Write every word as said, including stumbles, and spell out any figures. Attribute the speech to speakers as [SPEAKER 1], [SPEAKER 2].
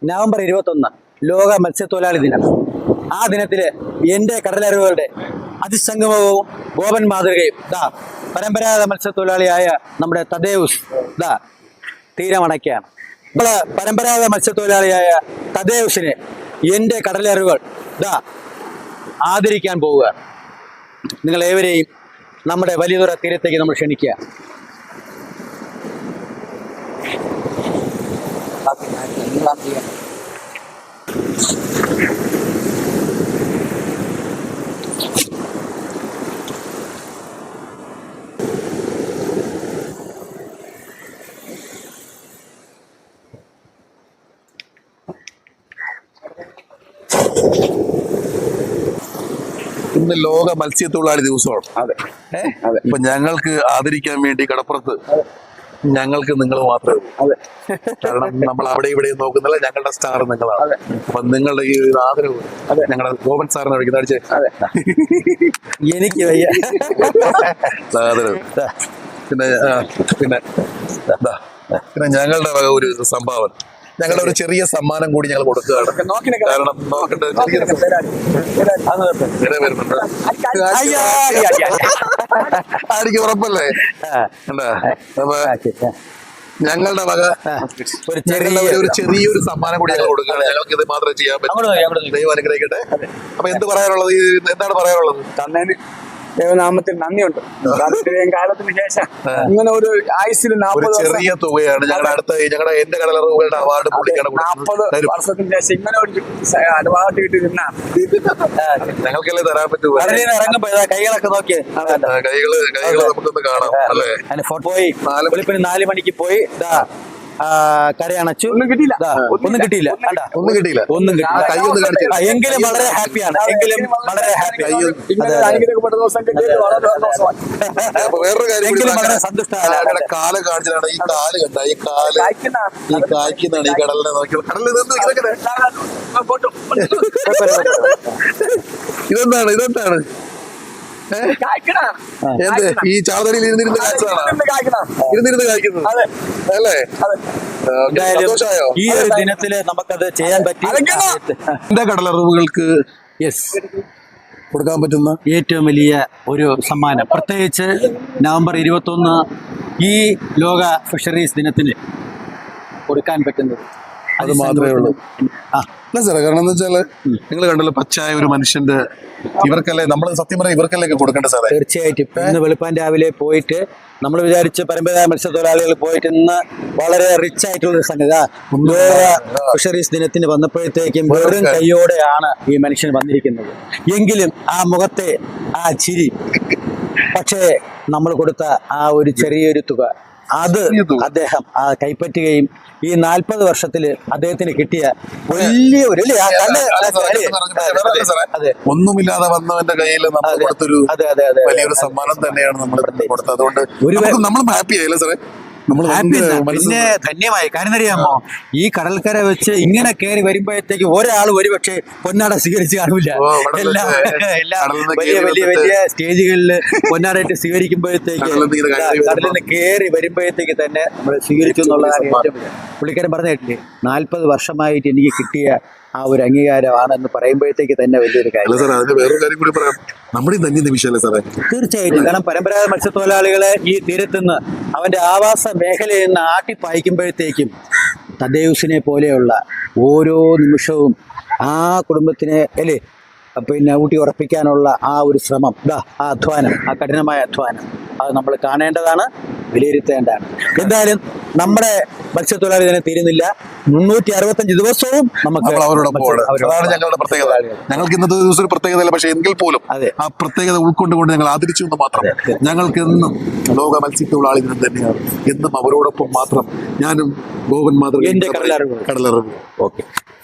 [SPEAKER 1] November ഇരുപത്തൊന്ന് ലോക മത്സ്യത്തൊഴിലാളി ദിനം. ആ ദിനത്തില് എൻ്റെ കടലറിവുകളുടെ അതിസംഗമവും ഗോപൻ മാതൃകയും ദാ പരമ്പരാഗത മത്സ്യത്തൊഴിലാളിയായ നമ്മുടെ തദേവുസ് ദാ തീരമണയ്ക്കാണ്. നമ്മള് പരമ്പരാഗത മത്സ്യത്തൊഴിലാളിയായ തദേവുസിനെ എൻ്റെ കടലറിവുകൾ ദാ ആദരിക്കാൻ പോവുക. നിങ്ങൾ ഏവരെയും നമ്മുടെ വലിയതുറ തീരത്തേക്ക് നമ്മൾ ക്ഷണിക്കുക.
[SPEAKER 2] ഇന്ന് ലോക മത്സ്യത്തൊഴിലാളി ദിവസമാണ്.
[SPEAKER 1] അതെ
[SPEAKER 2] അതെ ഇപ്പൊ ഞങ്ങൾക്ക് ആദരിക്കാൻ വേണ്ടി കടപ്പുറത്ത് ഞങ്ങൾക്ക് നിങ്ങൾ മാത്രമേ ഉള്ളൂ. കാരണം നമ്മൾ അവിടെ ഇവിടെ നോക്കുന്നില്ല, ഞങ്ങളുടെ സ്റ്റാർ നിങ്ങളാണ്. അപ്പൊ നിങ്ങളുടെ ഈ ഒരു ആദരവ് ഞങ്ങളുടെ ഗോപൻ സാറിനെ വിളിക്കുന്ന അടിച്ച്
[SPEAKER 1] എനിക്ക് വയ്യ
[SPEAKER 2] ആദരവ്. പിന്നെ പിന്നെ പിന്നെ ഞങ്ങളുടെ വക ഒരു സംഭാവന, ഞങ്ങളുടെ ഒരു ചെറിയ സമ്മാനം കൂടി ഞങ്ങൾ കൊടുക്കുകയാണ്. കാരണം നോക്കട്ടെ, ആയിരിക്കും ഉറപ്പല്ലേ? അപ്പൊ ഞങ്ങളുടെ വക
[SPEAKER 1] ഒരു
[SPEAKER 2] ചെറിയ ഒരു ചെറിയൊരു സമ്മാനം കൂടി ഞങ്ങൾ കൊടുക്കുകയാണ്. ഞങ്ങൾക്ക് ഇത് മാത്രമേ ചെയ്യാൻ പറ്റൂ. ദൈവം അനുഗ്രഹിക്കട്ടെ. അപ്പൊ എന്ത് പറയാനുള്ളത്, എന്താണ് പറയാനുള്ളത്?
[SPEAKER 3] തന്നേന് ദൈവനാമത്തിൽ നന്ദിയുണ്ട്. കാലത്തിന് ശേഷം ഇങ്ങനെ ഒരു ആയുസിൽ നാൽപ്പത്
[SPEAKER 2] ചെറിയ തുകയാണ് ഞങ്ങളുടെ അടുത്ത ഞങ്ങളുടെ എന്റെ കടലറിവുകളുടെ അവാർഡ്
[SPEAKER 3] നാൽപ്പത് വർഷത്തിന് ശേഷം ഇങ്ങനെ ഒരു അവാർഡ് കിട്ടി നിന്നാണ്
[SPEAKER 2] ഞങ്ങൾക്കല്ലേ തരാൻ പറ്റൂ.
[SPEAKER 1] ഇറങ്ങുമ്പോ കൈകളൊക്കെ നോക്കിയേ,
[SPEAKER 2] കൈകള് കൈകള് നമുക്കൊന്ന് കാണാം അല്ലേ?
[SPEAKER 1] പോയി വെളുപ്പിന് നാല് മണിക്ക് പോയി കരയണച്ചു.
[SPEAKER 3] ഒന്നും കിട്ടിയില്ല,
[SPEAKER 1] ഒന്നും കിട്ടിയില്ല,
[SPEAKER 2] ഒന്നും കിട്ടിയില്ല,
[SPEAKER 1] ഒന്നും കിട്ടിയില്ല.
[SPEAKER 2] കൈ ഒന്ന് കാണിച്ചു.
[SPEAKER 1] എങ്കിലും വളരെ ഹാപ്പിയാണ്, എങ്കിലും വളരെ ഹാപ്പി.
[SPEAKER 3] അനുഗ്രഹിക്കപ്പെട്ട ദിവസം കിട്ടിയത് വളരെ സന്തോഷമാണ്.
[SPEAKER 2] വേറൊരു കാര്യം,
[SPEAKER 1] എങ്കിലും വളരെ സന്തുഷ്ടമാണ്.
[SPEAKER 2] കാല് കാണിച്ചതാണ്. ഈ കാല് കണ്ട, ഈ കാല് ഈ കായ്ക്കുന്നതാണ് ഈ കടലിനെ നോക്കി. കടലിൽ ഇതെന്താണ് ഇതെന്താണ് എന്ത് ഈ ചാവതടിയിൽ ഇരുന്നിരുന്ന് കാഴ്ചതാണ്, ഇരുന്നിരുന്ന് കായ്ക്കുന്നത് അല്ലേ?
[SPEAKER 1] ഈ ഒരു ദിനത്തില് നമുക്കത് ചെയ്യാൻ പറ്റി.
[SPEAKER 2] എന്റെ കടലറിവുകൾക്ക്
[SPEAKER 1] യെസ്
[SPEAKER 2] കൊടുക്കാൻ പറ്റുന്ന
[SPEAKER 1] ഏറ്റവും വലിയ ഒരു സമ്മാനം, പ്രത്യേകിച്ച് നവംബർ ഇരുപത്തൊന്ന് ഈ ലോക ഫിഷറീസ് ദിനത്തിന് കൊടുക്കാൻ പറ്റുന്നത്
[SPEAKER 2] അത് മാത്രമേ ഉള്ളൂ. അല്ല സാറേ, കാരണം എന്താ വെച്ചാല് നിങ്ങൾ കണ്ടല്ലോ, പച്ചായ ഒരു മനുഷ്യന്റെ ഇവർക്കല്ലേ നമ്മൾ സത്യം പറയാം, ഇവർക്കല്ലേ കൊടുക്കേണ്ട സാറേ.
[SPEAKER 1] തീർച്ചയായിട്ടും ഇന്ന് വെളുപ്പാൻ രാവിലെ പോയിട്ട് നമ്മൾ വിചാരിച്ച് പരമ്പരാഗത മത്സ്യത്തൊഴിലാളികൾ പോയിട്ട് ഇന്ന് വളരെ റിച്ച് ആയിട്ടുള്ളൊരു സംഗതി ലോക ഫിഷറീസ് ദിനത്തിന് വന്നപ്പോഴത്തേക്കും വെറും കൈയോടെയാണ് ഈ മനുഷ്യൻ വന്നിരിക്കുന്നത്. എങ്കിലും ആ മുഖത്തെ ആ ചിരി, പക്ഷേ നമ്മൾ കൊടുത്ത ആ ഒരു ചെറിയൊരു തുക അത് അദ്ദേഹം ആ കൈപ്പറ്റുകയും ഈ നാൽപ്പത് വർഷത്തില് അദ്ദേഹത്തിന് കിട്ടിയ വലിയ ഒരു
[SPEAKER 2] ഒന്നുമില്ലാതെ വന്നവന്റെ കയ്യിൽ നമ്മൾ കൊടുത്തൊരു വലിയൊരു സമ്മാനം തന്നെയാണ് നമ്മൾ കൊടുത്തത്. അതുകൊണ്ട് നമ്മൾ ഹാപ്പി ആയില്ലേ സാറേ?
[SPEAKER 1] പിന്നെ ധന്യമായി. കാരണം അറിയാമോ, ഈ കടൽക്കര വെച്ച് ഇങ്ങനെ കയറി വരുമ്പോഴത്തേക്ക് ഒരാൾ ഒരുപക്ഷെ പൊന്നാട സ്വീകരിച്ച് കാണില്ല. എല്ലാം എല്ലാം വലിയ വലിയ വലിയ സ്റ്റേജുകളിൽ പൊന്നാടായിട്ട് സ്വീകരിക്കുമ്പോഴത്തേക്ക് കടലിൽ നിന്ന് കയറി വരുമ്പോഴത്തേക്ക് തന്നെ നമ്മൾ സ്വീകരിച്ചു എന്നുള്ളതാണ് ഏറ്റവും പുള്ളിക്കാരൻ പറഞ്ഞ കേട്ടില്ലേ, നാൽപ്പത് വർഷമായിട്ട് എനിക്ക് കിട്ടിയ ആ ഒരു അംഗീകാരമാണെന്ന് പറയുമ്പോഴത്തേക്ക് തന്നെ വലിയൊരു കാര്യം. തീർച്ചയായിട്ടും. കാരണം പരമ്പരാഗത മത്സ്യത്തൊഴിലാളികളെ ഈ തീരത്തുനിന്ന് അവന്റെ ആവാസ മേഖലയിൽ നിന്ന് ആട്ടിപ്പായിക്കുമ്പോഴത്തേക്കും തദ്ദേവുസിനെ പോലെയുള്ള ഓരോ നിമിഷവും ആ കുടുംബത്തിനെ അല്ലേ പിന്നെ ഊട്ടി ഉറപ്പിക്കാനുള്ള ആ ഒരു ശ്രമം, ഇതാ ആ അധ്വാനം, ആ കഠിനമായ അധ്വാനം, അത് നമ്മൾ കാണേണ്ടതാണ്, വിലയിരുത്തേണ്ടതാണ്. എന്തായാലും നമ്മുടെ മത്സ്യത്തൊഴിലാളി തന്നെ തീരുന്നില്ല. മുന്നൂറ്റി അറുപത്തഞ്ച് ദിവസവും നമുക്ക്
[SPEAKER 2] അതാണ് ഞങ്ങളുടെ പ്രത്യേകത. ഞങ്ങൾക്ക് ഇന്നത്തെ ദിവസം ഒരു പ്രത്യേകതയല്ല, പക്ഷെ എങ്കിൽ പോലും ആ പ്രത്യേകത ഉൾക്കൊണ്ടുകൊണ്ട് ഞങ്ങൾ ആദരിച്ചു എന്ന് മാത്രം. ഞങ്ങൾക്ക് എന്നും ലോക മത്സ്യത്തൊഴിലാളി ദിനം തന്നെയാണ്. എന്നും അവരോടൊപ്പം മാത്രം ഞാനും ഗോപൻ മാതൃക കടലറിവ്.
[SPEAKER 1] ഓക്കെ.